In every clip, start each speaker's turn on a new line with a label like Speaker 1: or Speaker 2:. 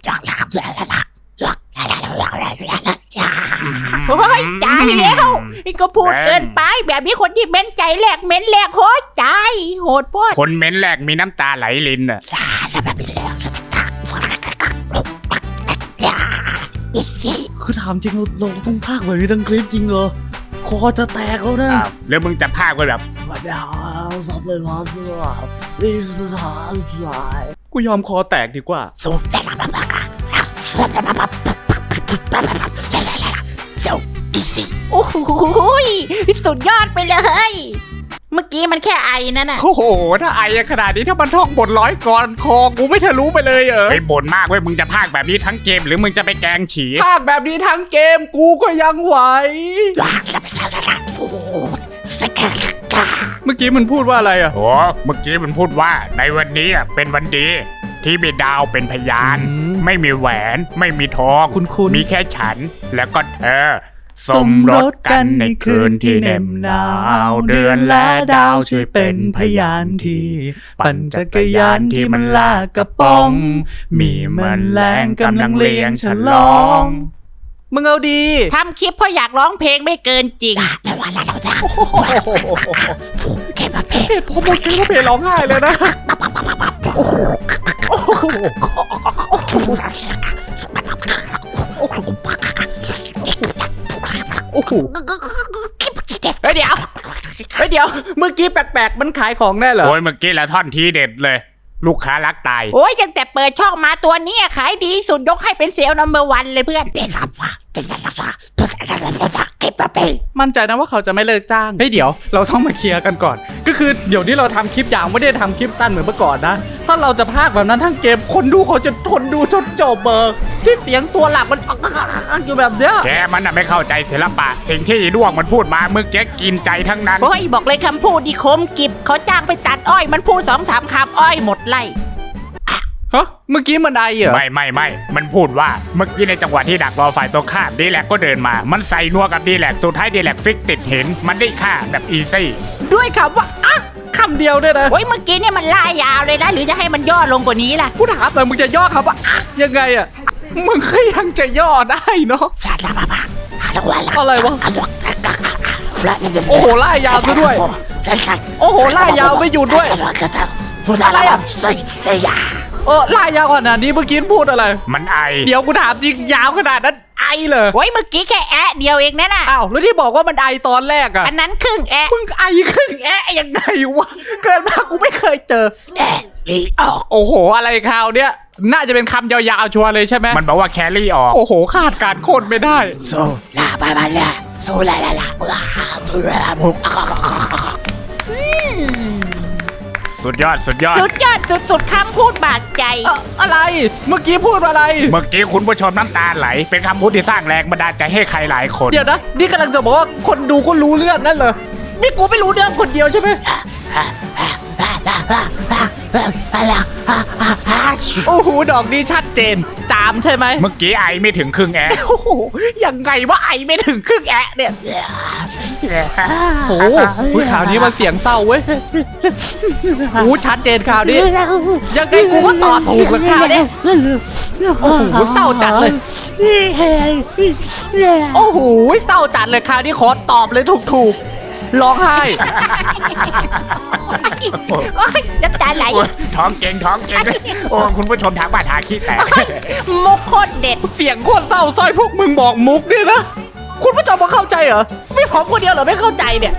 Speaker 1: โอ้ยตายแล้วนี่ก็พูดเกินไปแบบนี้คนที่เม้นใจแหลกเม้นแหลกโหดใจโหดโพด
Speaker 2: คนเม้นแรกมีน้ำตาไหลลินอ่ะ
Speaker 3: คือถามจริงเราต้องพากแบบนี้ทั้งคลิปจริงเหรอคอจะแตกแล้วนะ
Speaker 2: แล้วมึงจะพากไปแบบ
Speaker 3: กูยอมคอแตกดีกว่า
Speaker 1: โอ้โหสุดยอดไปเลยเมื่อกี้มันแค่ไอนั่นน่ะ
Speaker 2: โอ้โหถ้าไอขนาดนี้ถ้ามันท่องบทร้อยก่อนคอกูไม่ทะลุไปเลยไอ้บ่นมากเว้ยมึงจะพากแบบนี้ทั้งเกมหรือมึงจะไปแกงฉี
Speaker 3: พากแบบนี้ทั้งเกมกูก็ยังไหวเมื่อกี้มันพูดว่าอะไรอ่ะ
Speaker 2: โอ้เมื่อกี้มันพูดว่าในวันนี้เป็นวันดีที่มีดาวเป็นพยานไม่มีแหวนไม่มีทองมีแค่ฉันแล้วก็เธอสมรสกันในคืนที่เหน็บหนาวเดือนและดาวช่วยเป็นพยานที่ปั่นจักรยานที่มันลากกระป๋องมีแมลงกำลังเลี้ยงฉลอง
Speaker 3: มึงเอาดี
Speaker 1: ทำคลิปเพราะอยากร้องเพลงไม่เกินจริง
Speaker 3: เพจพอหมดเพลงก็เพจร้องไห้เลยนะโอ้โหเดี๋ยวเมื่อกี้แปลกๆมันขายของแน่เหรอ
Speaker 2: โอ้ยเมื่อกี้แล้วท่อนทีเด็ดเลยลูกค้ารักตาย
Speaker 1: โอ้ยตั้งแต่เปิดช่องมาตัวนี้ขายดีสุดยกให้เป็นเซลล์นัมเบอร์วันเลยเพื่อน
Speaker 3: มั่นใจนะว่าเขาจะไม่เลิกจ้างเฮ้ยเดี๋ยวเราต้องมาเคลียร์กันก่อนก็คือเดี๋ยวนี้เราทำคลิปยาวไม่ได้ทำคลิปสั้นเหมือนเมื่อก่อนนะถ้าเราจะพากแบบนั้นทั้งเกมคนดูเขาจะทนดูจนจบที่เสียงตัวหลักมันอยู่แบบเนี้ย
Speaker 2: แกมันไม่เข้าใจศิลปะสิ่งที่ด้วงมันพูดมาเมื่อกี้กินใจทั้งนั้น
Speaker 1: โอ้ยบอกเลยคำพูดดีคมกิบเขาจ้างไปตัดอ้อยมันพูด 2-3 คำอ้อยหมดไล่
Speaker 3: ฮะเมื่อกี้มันไอเหรอ
Speaker 2: ไม่มันพูดว่าเมื่อกี้ในจังหวะที่ดักรอฝ่ายตรงข้ามดีแลกก็เดินมามันใส่นัวกับดีแลกสุดท้ายดีแลกฟิกติดเห็นมันได้ฆ่าแบบอีซี่
Speaker 1: ด้วยคำว่า
Speaker 3: คำเดียวด้วยนะ
Speaker 1: โอ้ยเมื่อกี้เนี่ยมันล่ายาวเลยนะหรือจะให้มันย่อลงกว่านี้ล่ะ
Speaker 3: กูถามแต่มึงจะย่อคำว่ายังไงอ่ะมึงก็ยังจะย่อได้เนาะอะไรวะโอ้โหล่ายาวซะด้วยโอ้โหล่ายาวไม่หยุดด้วยอะไรอ่ะล่ายาวขนาดนี้เมื่อกี้พูดอะไร
Speaker 2: มันไอ
Speaker 3: เดี๋ยวกูถามจริงยาวขนาดนั้นไอเลย
Speaker 1: โอ้ยเมื่อกี้แค่เดียวเองนะน่ะ
Speaker 3: อ้าวแล้วที่บอกว่ามันไอตอนแรกอ่ะ
Speaker 1: อันนั้นครึ่ง
Speaker 3: มึงไอครึ่งยังไงวะเกิดมากูไม่เคยเจอโอ้โหอะไรคราวเนี้ยน่าจะเป็นคำยาวๆชัวร์เลยใช่ไหม
Speaker 2: มันบอกว่าแครี่ออก
Speaker 3: โอ้โหคาดการโคตรไม่ได้
Speaker 1: โซลาไปมาแล้วโซลา
Speaker 2: สุดยอด
Speaker 1: สุดคำพูดบาดใจ
Speaker 3: อะไรเมื่อกี้พูดอะไร
Speaker 2: เมื่อกี้คุณผู้ชมน้ำตาไหลเป็นคำพูดที่สร้างแรงบันดาลใจให้ใครหลายคน
Speaker 3: เดี๋ยวนะนี่กำลังจะบอกว่าคนดูก็รู้เรื่องนั่นเหรอนี่กูไม่รู้เรื่องคนเดียวใช่ไหมโอ้โหดอกนี้ชัดเจนจามใช่ไหม
Speaker 2: เมื่อกี้ไอไม่ถึงครึ่ง
Speaker 3: โอ้โหยังไงว่าไอไม่ถึงครึ่งเนี่ยโอ้โหข่าวนี้มาเสียงเศร้าเว้ยโอ้ชัดเจนข่าวนี้ยังไงกูก็ต่อถูกกับข่าวนี้โอ้โหเศร้าจัดเลยโอ้โหเศร้าจัดเลยข่าวนี้ขอตอบเลยถูกร้องไห้
Speaker 1: น้ำตาไหล
Speaker 2: ท้องเก่งโอ้คุณผู้ชมทางบ้านหาขี้แตก
Speaker 1: มุกโคตรเด็ด
Speaker 3: เสียงโคตรเศร้าซอยพวกมึงบอกมุกเนี่ยนะคุณผู้ชมมาเข้าใจเหรอไม่ผมคนเดียวเหรอไม่เข้าใจเนี่ย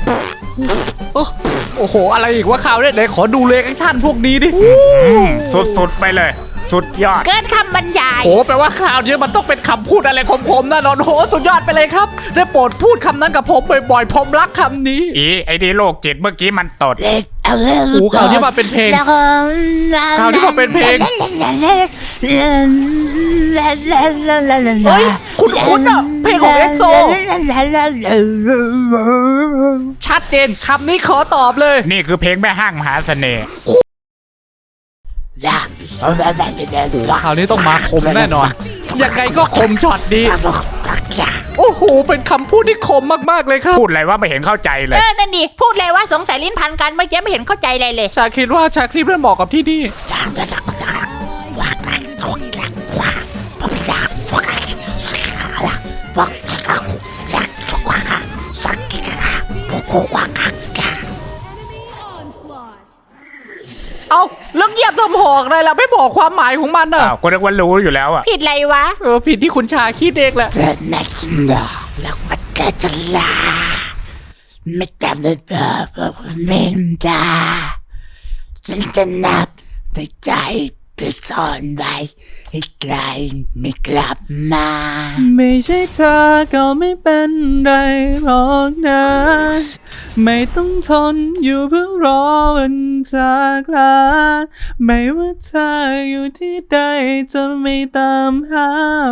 Speaker 3: โอ้โหอะไรอีกว่าข่าวเนี่ยไหนขอดูเลยแอคชั่นพวกนี้ดิ
Speaker 2: สุดไปเลยสุดยอด
Speaker 1: เกินคำบรรยาย
Speaker 3: โหแปลว่าข่าวนี้มันต้องเป็นคำพูดอะไรคมๆนะนอนโหสุดยอดไปเลยครับได้โปรดพูดคำนั้นกับผมบ่อยๆผมรักคำนี้
Speaker 2: ไอ้ดีโลกจิตเมื่อกี้มันตด
Speaker 3: โอ้ข่าวที่มาเป็นเพลงข่าวที่มาเป็นเพลงเฮ้ยคุณอ่ะเพลงของเอ็กโซชัดเจนคำนี้ขอตอบเลย
Speaker 2: นี่คือเพลงแม่ห้างมหาเสน่ห์
Speaker 3: คราวนี้ต้องมาคมแน่นอนยังไงก็คมช็อตดีโอ้โหเป็นคำพูดที่คมมากๆเลยครับ
Speaker 2: พูดอะไรว่าไม่เห็นเข้าใจเลย
Speaker 1: นั่นดิพูดเลยว่าสงสัยลิ้นพันกันไม่เห็นเข้าใจอะไรเลย
Speaker 3: ชาคิดว่าชาคลิปเรื่องเหมาะกับที่นี่เอาเรื่องเงียบทำหอกอะไรล่ะไม่บอกความหมายของมันน่ะ
Speaker 2: อ้าวก็นึกว่ารู้อยู่แล้วอ่ะ
Speaker 1: ผิดอะไรวะ
Speaker 3: ผิดที่คุณชาคิดเองแหละ
Speaker 1: แล้วมันก็จะลาไม่จำได้เมนดาฉันจะนับในใจไปซ่อนไว้ให้ไกลไม่กลับมา
Speaker 3: ไม่ใช่เธอก็ไม่เป็นไรหรอกนะไม่ต้องทนอยู่เพื่อรอวันจากลาไม่ว่าเธออยู่ที่ใดจะไม่ตามหา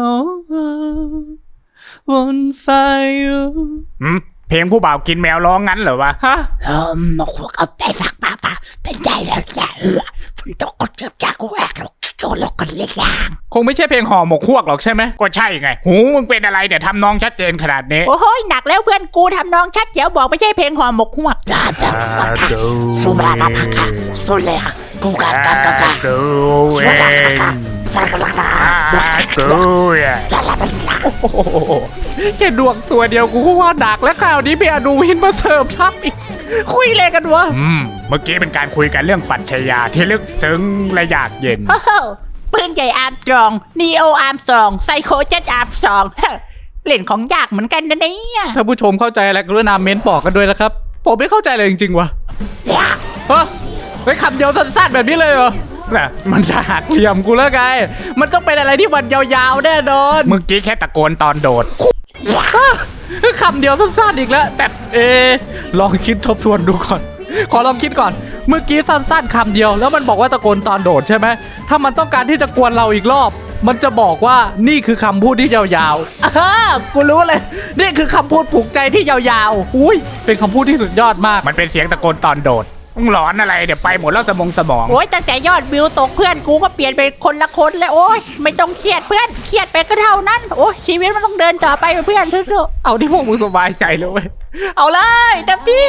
Speaker 3: วนไฟอยู่
Speaker 2: เพลงผู้บ่าวกินแมวร้องงั้นเหรอวะ
Speaker 3: ฮะ
Speaker 1: มาขวกเอาไปฝากป้าเป็นใจแล้วอย่าฝนตกก็จะจากกูแอกหรอกก็ลกกันเล็กอย่าง
Speaker 3: คงไม่ใช่เพลงห่อหมกฮวกหรอกใช่ไหม
Speaker 2: ก็ใช่ไงหูมึงเป็นอะไรเดี๋ยวทำน้องชัดเจนขนาดนี้
Speaker 1: โอ้โหหนักแล้วเพื่อนกูทำน้องชัดเดี๋ยวบอกไม่ใช่เพลงห่อหมกหวกสุรานาพักะสุเลอะกูกากากากา
Speaker 2: ดูเอง
Speaker 1: สักกะลักนา
Speaker 2: ดูอ่ะ
Speaker 1: จะละเป็นละ
Speaker 3: โอ้โหแค่ดวงตัวเดียวกูก็ว่าหนักแล้วคราวนี้เบียร์ดูวินมาเสริมทับอีกคุยอะไรกันวะ
Speaker 2: เมื่อกี้เป็นการคุยกันเรื่องปรัชญาที่ลึกซึ้งและอยากเย็น
Speaker 1: โอ้โหปืนใหญ่อาร์มสตรองนีโออาร์มสตรองไซโคเจ็ตอาร์มสตรองเล่นของยากเหมือนกันนะเนี่ย
Speaker 3: ถ้าผู้ชมเข้าใจอะไรกรุณาเม้นบอกกันด้วยนะครับผมไม่เข้าใจเลยจริงๆวะฮะไปคำเดียวสั้นๆแบบนี้เลยเหรอน่ะมันจะหักเหลี่ยมกูแล้วไงมันต้องเป็นอะไรที่มันยาวๆแน่นอน
Speaker 2: เมื่อกี้แค่ตะโกนตอนโดด
Speaker 3: คำเดียวสั้นๆอีกแล้วแต่ลองคิดทบทวนดูก่อนขอลองคิดก่อนเมื่อกี้สั้นๆคำเดียวแล้วมันบอกว่าตะโกนตอนโดดใช่ไหมถ้ามันต้องการที่จะกวนเราอีกรอบ มันจะบอกว่านี่คือคำพูดที่ยาวๆกูรู้เลยนี่คือคำพูดผูกใจที่ยาวๆอุ้ยเป็นคำพูดที่สุดยอดมาก
Speaker 2: มันเป็นเสียงตะโกนตอนโดดมึงหลอนอะไรเดี๋ยวไปหมดแล้วสมอง
Speaker 1: โอ้ยตั้งแต่ยอดวิวตกเพื่อนกูก็เปลี่ยนไปคนละคนเลยโอ้ยไม่ต้องเครียดเพื่อนเครียดไปก็เท่านั้นโอ้ยชีวิตมันต้องเดินต่อไปเพื่อนสู้
Speaker 3: เอาที่พวกมึงสบายใจเลยเว้ยเอาเลยเต็มที่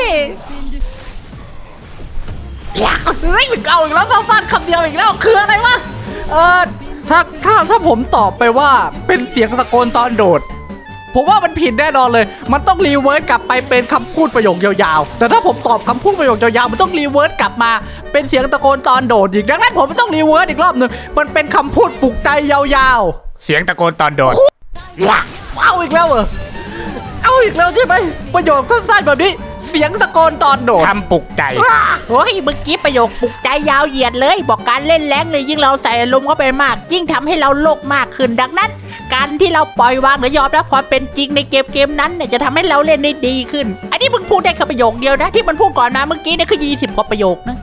Speaker 3: เฮ้ยมันเอาอีกแล้วสั้นๆคำเดียวอีกแล้วคืออะไรวะถ้าผมตอบไปว่าเป็นเสียงตะโกนตอนโดดผมว่ามันผิดแน่นอนเลยมันต้องรีเวิร์สกลับไปเป็นคำพูดประโยคยาวๆแต่ถ้าผมตอบคำพูดประโยคยาวๆมันต้องรีเวิร์สกลับมาเป็นเสียงตะโกนตอนโดดอีกดังนั้นผมต้องรีเวิร์สอีกรอบหนึ่งมันเป็นคำพูดปลุกใจยาวๆ
Speaker 2: เสียงตะโกนตอนโดด
Speaker 3: เอาอีกแล้วเหรอเอาอีกแล้วใช่ไหมประโยคสั้นๆแบบนี้เสียงตะโกนตอนโดด
Speaker 2: ทำปลุกใจ
Speaker 1: ๆโอ้ยเมื่อกี้ประโยคปลุกใจยาวเหยียดเลยบอกการเล่นแรงเลยยิ่งเราใส่อารมณ์เข้าไปมากยิ่งทำให้เราโลกมากขึ้นดังนั้น การที่เราปล่อยวางหรือยอมรับความเป็นจริงในเกมนั้นเนี่ยจะทำให้เราเล่นได้ดีขึ้นอันนี้มึงพูดได้แค่ประโยคเดียวนะที่มันพูดก่อนมาเมื่อกี้เนี่ยคือ20 กว่าประโยคนะ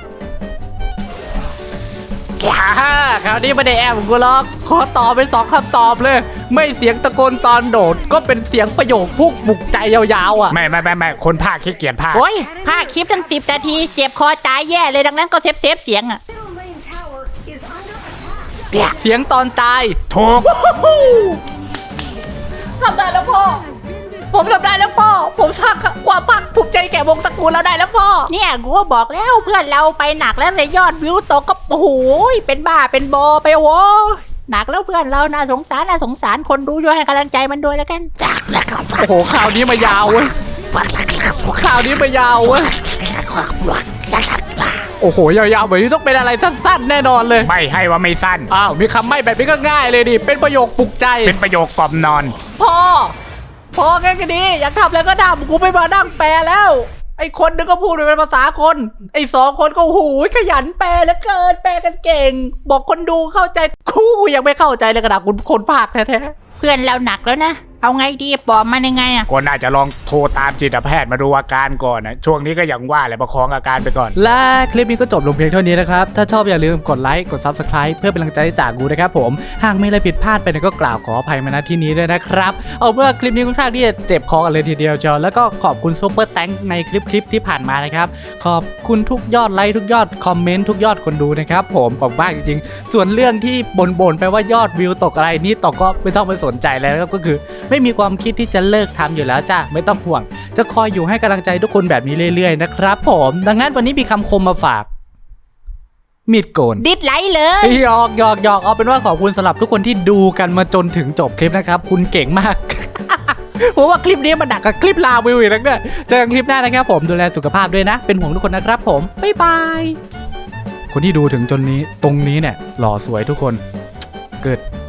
Speaker 3: คราวนี้ไม่ได้แอบกูหรอกขอตอบเป็น2คำตอบเลยไม่เสียงตะโกนตอนโดดก็เป็นเสียงประโยคพูดปลุกใจยาวๆอ่ะ
Speaker 2: ไม่คนภาคขี้เกียจภาค
Speaker 1: โอ้ยภาคคลิปตั้ง10 นาทีเจ็บคอตายแย่เลยดังนั้นก็เซฟเสียงอ่ะ
Speaker 3: เสียงตอนตาย
Speaker 2: ถูก
Speaker 1: ทำได้แล้วพ่อ ผมทำได้แล้วพ่อ ผมสร้างความภาคภูมิใจแก่วงตระกูลเราได้แล้วพ่อ เนี่ยกูก็บอกแล้วเพื่อนเราไปหนักแล้วเลยยอดวิวตกก็โอ้โหเป็นบ้าเป็นบอไปโว้หนักแล้วเพื่อนเราน่าสงสารคนดูช่วยให้กำลังใจมันด้วยแล้วกันจากแล้วก็
Speaker 3: โอ้โหข่าวนี้มายาวเว้ยข่าวนี้มายาวเว้ยโอ้โหยาวๆแบบนี้ต้องเป็นอะไรสั้นๆแน่นอนเลย
Speaker 2: ไม่ให้ว่าไม่สั้น
Speaker 3: อ้าวมีคำไม่แบบนี้ก็ง่ายเลยดิเป็นประโยคปลุกใจ
Speaker 2: เป็นประโยคกล่อมนอน
Speaker 3: พ่อแค่นี้อยากทำอะไรก็ทำกูไม่มานั่งแปลแล้วไอ้คนนึงก็พูดเป็นภาษาคนไอ้2 คนก็หูยขยันแปลเหลือเกินแปลกันเก่งบอกคนดูเข้าใจกูยังไม่เข้าใจเลยกระดาษคุณคนภาคแท้ๆ
Speaker 1: เพื่อนเราหนักแล้วนะเอาไงดีปอบมันยังไงอ่ะ
Speaker 2: ก็น่าจะลองโทรตามจิตแพทย์มาดูอาการก่อนนะช่วงนี้ก็อย่างว่าแหละประคองอาการไปก่อน
Speaker 3: และคลิปนี้ก็จบลงเพียงเท่านี้นะครับ ถ้าชอบอย่าลืมกดไลค์ กด Subscribe เพื่อเป็นกำลังใจให้จากกูนะครับผม หากมีอะไรผิดพลาดไปก็กล่าวขออภัยมาณที่นี้ด้วยนะครับ เอาเมื่อคลิปนี้ค่อนข้างที่จะเจ็บคอกันเลยทีเดียวจอแล้วก็ขอบคุณซุปเปอร์แตงในคลิปที่ผ่านมานะครับ ขอบคุณทุกยอดไลค์ทุกยอดคอมเมนต์ทุกยอดคนดูนะครับผมขอบคุณมากจริงๆ ส่วนเรื่องที่บ่นไปว่ายอดวิวตกอะไรนี่ตกก็ไม่ต้องไปสนใจแล้วก็คือไม่มีความคิดที่จะเลิกทำอยู่แล้วจ้ะไม่ต้องห่วงจะคอยอยู่ให้กำลังใจทุกคนแบบนี้เรื่อยๆนะครับผมดังนั้นวันนี้มีคำคมมาฝากมีดโกน
Speaker 1: ดิดไลค์เลย
Speaker 3: หยอกเอาเป็นว่าขอบคุณสำหรับทุกคนที่ดูกันมาจนถึงจบคลิปนะครับคุณเก่งมากเพราะว่าคลิปนี้มันหนักกับคลิปลาวิวอีกแล้วเนี่ยเจอกันคลิปหน้านะครับผมดูแลสุขภาพด้วยนะเป็นห่วงทุกคนนะครับผมบ๊ายบายคนที่ดูถึงจนนี้ตรงนี้เนี่ยหล่อสวยทุกคนเกิด